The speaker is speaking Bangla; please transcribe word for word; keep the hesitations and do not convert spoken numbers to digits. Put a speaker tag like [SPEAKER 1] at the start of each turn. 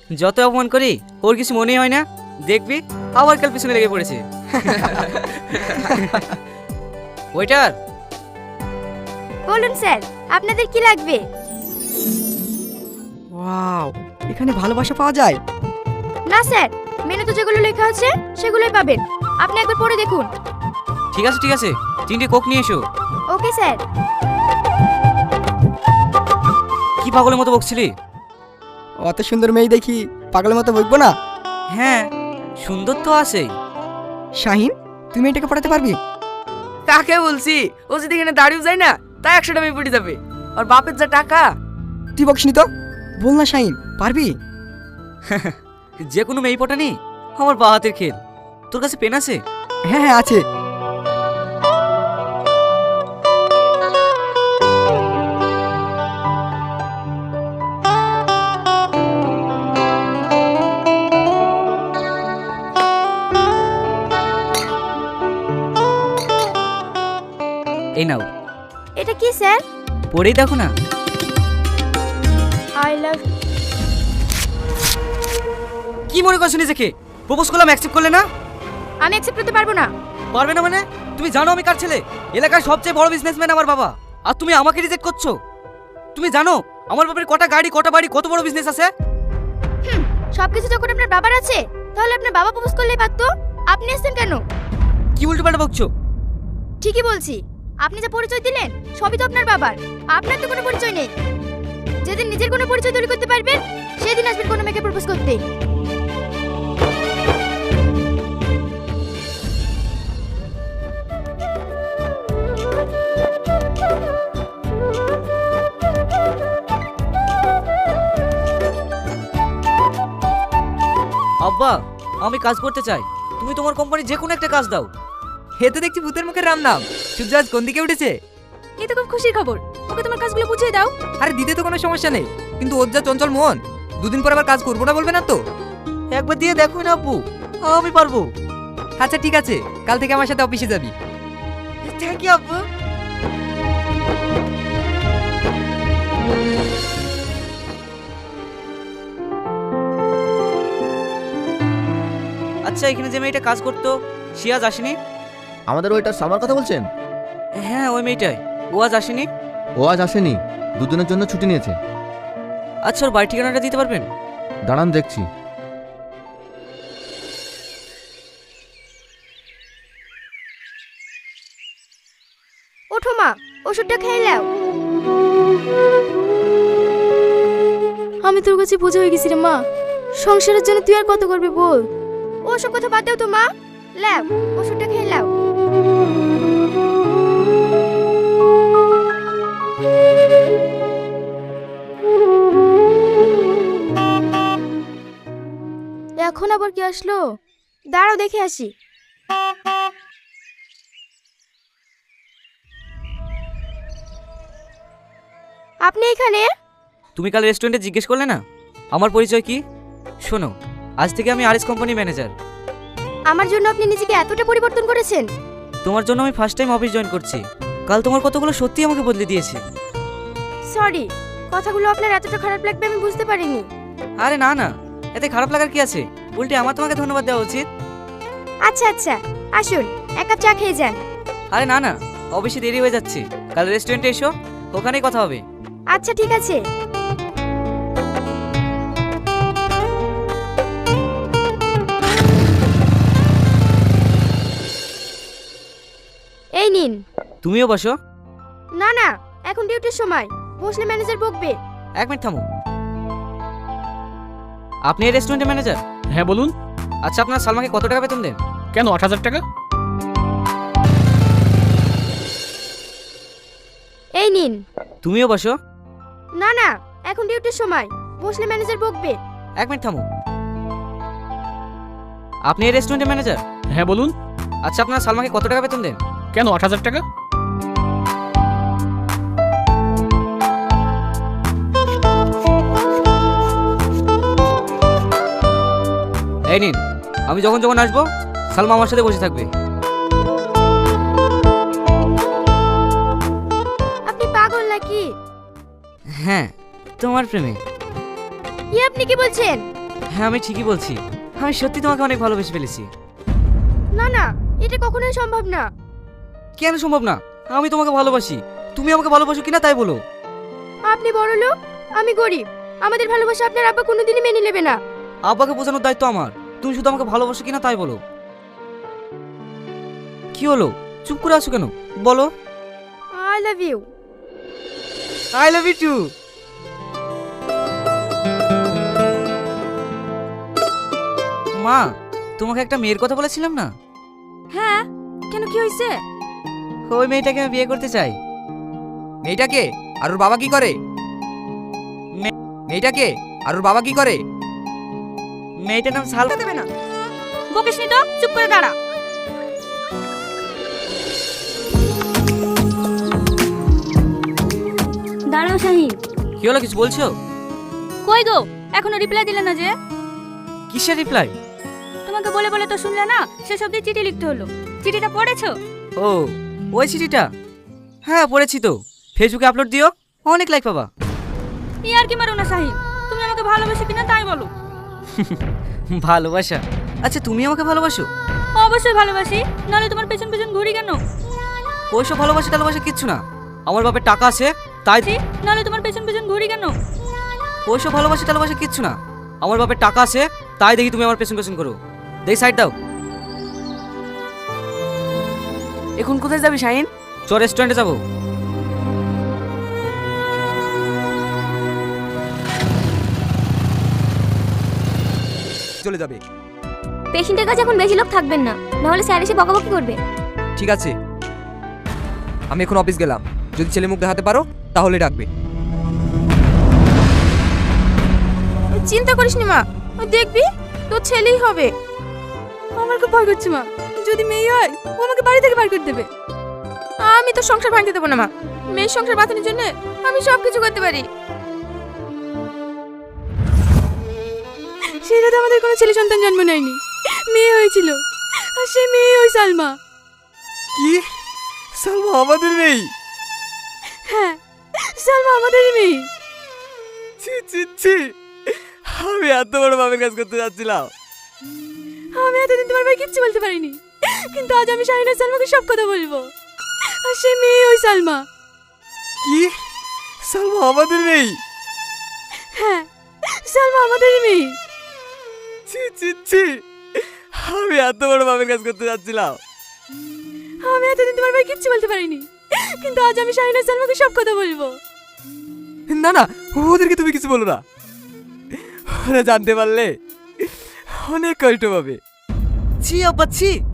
[SPEAKER 1] যত অপমান করি ওর কিছু মনেই হয় না। দেখবি আবার কাল পিছনে লেগে পড়েছে। ওয়েটার,
[SPEAKER 2] বলুন স্যার, আপনাদের কি লাগবে?
[SPEAKER 3] ওয়াও, এখানে ভালোবাসা পাওয়া যায়?
[SPEAKER 2] না স্যার, মেনুতে যেগুলো লেখা আছে সেগুলোই পাবেন। আপনি একবার পড়ে দেখুন।
[SPEAKER 1] ঠিক আছে ঠিক আছে, তিনটে কোক নিয়ে এসো।
[SPEAKER 2] Okay sir.
[SPEAKER 1] কি পাগলের মতো বকছিলি?
[SPEAKER 3] অত সুন্দর মেয়ে দেখি পাগলের মতো বকবো না?
[SPEAKER 1] হ্যাঁ, সুন্দর তো আছেই।
[SPEAKER 3] শাহিন, তুমি এটাকে পড়াতে পারবি?
[SPEAKER 4] কাকে বলছি? ও যদি এখানে দাঁড়িয়ে যায় না, তাই একশো টাকা পড়ে যাবে। আর বাপের যা টাকা।
[SPEAKER 3] তুই বকিসনি তো, বল না শাহিন, পারবি?
[SPEAKER 1] যে কোনো মেয়ে পটানি আমার বা হাতের খেল। তোর কাছে পেন আছে?
[SPEAKER 3] হ্যাঁ হ্যাঁ আছে।
[SPEAKER 1] এই নাও,
[SPEAKER 2] এটা কি স্যার?
[SPEAKER 1] পড়েই দেখো না।
[SPEAKER 2] I love.
[SPEAKER 1] কি মনে করছো নিজেকে? প্রপোজ করলাম, অ্যাকসেপ্ট করলে না?
[SPEAKER 2] আমি অ্যাকসেপ্ট করতে পারবো না।
[SPEAKER 1] পারবে না মানে? তুমি জানো আমি কার ছেলে? এলাকার সবচেয়ে বড় বিজনেসম্যান আমার বাবা, আর তুমি আমাকে রিজেক্ট করছো? তুমি জানো আমার বাবার কটা গাড়ি, কটা বাড়ি, কত বড় বিজনেস আছে?
[SPEAKER 2] হুম, সবকিছু যখন আপনার বাবার আছে, তাহলে আপনার বাবা প্রপোজ করলেই পারতো। আপনি আসছেন কেন?
[SPEAKER 1] কি উল্টোপাল্টা বকছো?
[SPEAKER 2] ঠিকই বলছি। আপনি যে পরিচয় দিলেন সবই তো আপনার বাবার। আপনার তো কোনো পরিচয় নেই। যেদিন নিজের কোনো পরিচয় তৈরি করতে পারবেন, সেদিন আসবেন কোনো মেয়েকে প্রপোজ করতে।
[SPEAKER 1] আব্বা, আমি কাজ করতে চাই, তুমি তোমার কোম্পানির যে কোনো একটা কাজ দাও।
[SPEAKER 4] হে তো দেখছি ভূতের মুখের রাম নাম। সূর্য আজ কোন দিকে উঠেছে?
[SPEAKER 2] এই তো খুব খুশির খবর। ওকে তোমার কাজগুলো বুঝিয়ে দাও।
[SPEAKER 4] আরে দিতে তো কোনো সমস্যা নেই, কিন্তু ওর যা চঞ্চল মন, দুদিন পর আবার কাজ করবো না বলবে না তো?
[SPEAKER 1] একবার দিয়ে দেখো না আব্বু, আমি পারবো।
[SPEAKER 4] আচ্ছা ঠিক আছে, কাল থেকে আমার সাথে অফিসে যাবি।
[SPEAKER 1] থ্যাংক ইউ আব্বু। আচ্ছা, এখানে যে মেয়েটা কাজ করতো সে আজ আসেনি?
[SPEAKER 5] আমাদের ওইটার সামার কথা বলছেন?
[SPEAKER 1] হ্যাঁ, ওই মেয়েটাই। ও আজ আসেনি?
[SPEAKER 5] ও আজ আসেনি, দুদিনের জন্য ছুটি নিয়েছে।
[SPEAKER 1] আচ্ছা, ওর বাড়ি ঠিকানাটা দিতে পারবেন?
[SPEAKER 5] দাঁড়ান দেখছি।
[SPEAKER 2] ওঠো মা, ওষুধটা খেয়ে নাও। আমি তোর কাছে বোঝা হয়ে গেছি রে মা। সংসারের জন্য তুই আর কত করবি বল। ওসব কথা বাদ দাও তো মা। লাও, ওষুধটা খেয়ে নাও। এখন আবার কি আসলো? দাঁড়াও দেখে আসি। আপনি এখানে?
[SPEAKER 1] তুমি কাল রেস্টুরেন্টে জিজ্ঞেস করলে না আমার পরিচয় কি? শোনো, আজ থেকে আমি আরএস কোম্পানি ম্যানেজার।
[SPEAKER 2] আমার জন্য আপনি নিজেকে এতটা পরিবর্তন করেছেন?
[SPEAKER 1] তোমার জন্য আমি ফার্স্ট টাইম অফিস জয়েন করছি। কাল তোমার কতগুলো সত্যি আমাকে বদলে দিয়েছে।
[SPEAKER 2] সরি, কথাগুলো আপনার এতটা খারাপ লাগবে আমি বুঝতে পারিনি।
[SPEAKER 1] আরে না না, এতে খারাপ লাগার কি আছে? উল্টে আমার তোমাকে ধন্যবাদ দেওয়া উচিত।
[SPEAKER 2] আচ্ছা আচ্ছা, আসুন এক কাপ চা খেয়ে যান।
[SPEAKER 1] আরে না না, অফিসে দেরি হয়ে যাচ্ছে। কাল রেস্টুরেন্টে এসো, ওখানেই কথা হবে।
[SPEAKER 2] আচ্ছা ঠিক আছে। এই নিন।
[SPEAKER 1] তুমিও বসো।
[SPEAKER 2] না না, এখন ডিউটির সময়, বসলে ম্যানেজার বকবে।
[SPEAKER 1] এক মিনিট থামো। আপনি এই রেস্টুরেন্টের ম্যানেজার?
[SPEAKER 6] হ্যাঁ বলুন।
[SPEAKER 1] আচ্ছা, আপনার সালমাকে কত টাকা বেতন দেন?
[SPEAKER 6] কেন, আট হাজার টাকা?
[SPEAKER 2] এই নিন।
[SPEAKER 1] তুমিও বসো।
[SPEAKER 2] না না, এখন ডিউটির সময়, বসলে ম্যানেজার বকবে।
[SPEAKER 1] এক মিনিট থামো। আপনি এই রেস্টুরেন্টের ম্যানেজার?
[SPEAKER 6] হ্যাঁ বলুন।
[SPEAKER 1] আচ্ছা, আপনার সালমাকে কত টাকা বেতন দেন?
[SPEAKER 6] কেন, আট হাজার টাকা?
[SPEAKER 1] এই নিন, আমি যখন যখন আসবো সালমা আমার সাথে বসে থাকবে।
[SPEAKER 2] আপনি পাগল নাকি?
[SPEAKER 1] হ্যাঁ, তোমার প্রেমে।
[SPEAKER 2] কি আপনি কি বলছেন?
[SPEAKER 1] হ্যাঁ আমি ঠিকই বলছি, আমি সত্যি তোমাকে অনেক ভালোবেসে ফেলেছি।
[SPEAKER 2] না না, এটা কখনোই সম্ভব না।
[SPEAKER 1] কেন সম্ভব না? আমি তোমাকে ভালোবাসি, তুমি আমাকে ভালোবাসো কিনা তাই বলো।
[SPEAKER 2] আপনি বড় লোক, আমি গরিব, আমাদের ভালোবাসা আপনার আব্বা কোনোদিনই মেনে নেবে না।
[SPEAKER 1] আব্বাকে বোঝানোর দায়িত্ব আমার, তুমি শুধু আমাকে ভালোবাসো কিনা তাই বলো। কি হলো, চুপ করে আছো কেন, বলো।
[SPEAKER 2] I love you.
[SPEAKER 1] I love you too. মা, তোমাকে একটা মেয়ের কথা বলেছিলাম না?
[SPEAKER 2] হ্যাঁ, কেন কি হয়েছে?
[SPEAKER 1] ওই মেয়েটাকে আমি বিয়ে করতে চাই।
[SPEAKER 7] মেয়েটাকে আর ওর বাবা কি করে? মেয়েটাকে আর ওর বাবা কি করে?
[SPEAKER 1] মেয়েটার নাম সাল।
[SPEAKER 2] দেবে না, বকিস নি তো, চুপ করে দাঁড়া। দাঁড়াও শাহিন।
[SPEAKER 1] কি হলো, কিছু বলছো?
[SPEAKER 2] কই গো, এখনো রিপ্লাই দিলে না যে?
[SPEAKER 1] কিসের রিপ্লাই?
[SPEAKER 2] তোমাকে বলে বলে তো শুনলে না, সেসব দিয়ে চিঠি লিখতে হলো। চিঠিটা পড়েছো?
[SPEAKER 1] ও, ওই চিঠিটা? হ্যাঁ পড়েছি তো, ফেসবুকে আপলোড দিও, অনেক লাইক পাবা।
[SPEAKER 2] ই আর কি মারো না শাহিন, তুমি আমাকে ভালোবাসো কিনা তাই বলো।
[SPEAKER 1] ভালোবাসা? আচ্ছা তুমি আমাকে ভালোবাসো?
[SPEAKER 2] অবশ্যই ভালোবাসি, নাহলে তোমার পেছন পেছন ঘুরি কেন?
[SPEAKER 1] ওইসব ভালোবাসা টালোবাসা কিচ্ছু না, আমার বাপের টাকা আছে তাই।
[SPEAKER 2] নাহলে তোমার পেছন পেছন ঘুরি কেন?
[SPEAKER 1] ওইসব ভালোবাসা টালোবাসা কিচ্ছু না, আমার বাপের টাকা আছে তাই দেখি তুমি আমার পেছন পেছন করো। দেখি সাইড দাও।
[SPEAKER 4] এখন কোথায় যাবি শাহিন?
[SPEAKER 1] চ রেস্টুরেন্টে যাবো।
[SPEAKER 7] চলে যাবে।
[SPEAKER 2] পেশেন্টের কাছে এখন বেশি লোক থাকবেন না, নাহলে স্যার এসে বকাবকি করবে।
[SPEAKER 7] ঠিক আছে, আমি এখন অফিস গেলাম, যদি ছেলে মুখ দেখাতে পারো তাহলে ডাকবে।
[SPEAKER 2] চিন্তা করিস নি মা, দেখবি তোর ছেলেই হবে। আমার খুব ভয় করছে মা, যদি মেয়ে হয় ও আমাকে বাড়ি থেকে বার করে দেবে। আমি তো সংসার ভাঙতে দেবো না মা, মেয়ের সংসার বাঁচানোর জন্য আমি সব কিছু করতে পারি। সেটা তো আমাদের কোনো ছেলে সন্তান জন্ম নেয়নি, মেয়ে হয়েছিল, আর সেই মেয়ে ওই সালমা।
[SPEAKER 7] কি? সালমা আমাদের নেই?
[SPEAKER 2] হ্যাঁ, সালমা আমাদেরই মেয়ে।
[SPEAKER 7] ছি ছি ছি, আমি এত বড় বাপের কাজ করতে যাচ্ছিলাম।
[SPEAKER 2] আমি এতদিন তোমার ভাই কিচ্ছু বলতে পারিনি, কিন্তু আজ আমি শাহিন আর সালমাকে সব কথা বলবো, আর সেই মেয়ে ওই সালমা।
[SPEAKER 7] কি? সালমা আমাদের নেই?
[SPEAKER 2] হ্যাঁ, সালমা আমাদেরই মেয়ে।
[SPEAKER 7] ছি ছি ছি, আমি এত বড় বাপের কাজ করতে যাচ্ছিলাম।
[SPEAKER 2] আমি এতদিন তোমার ভাই কিচ্ছু বলতে পারিনি, কিন্তু আজ আমি শাহিন আর সালমাকে সব কথা বলবো।
[SPEAKER 7] না না, ওদেরকে তুমি কিছু বলো না, ওরা জানতে পারলে অনেক কষ্ট পাবে।
[SPEAKER 1] ছি আব্বা ছি।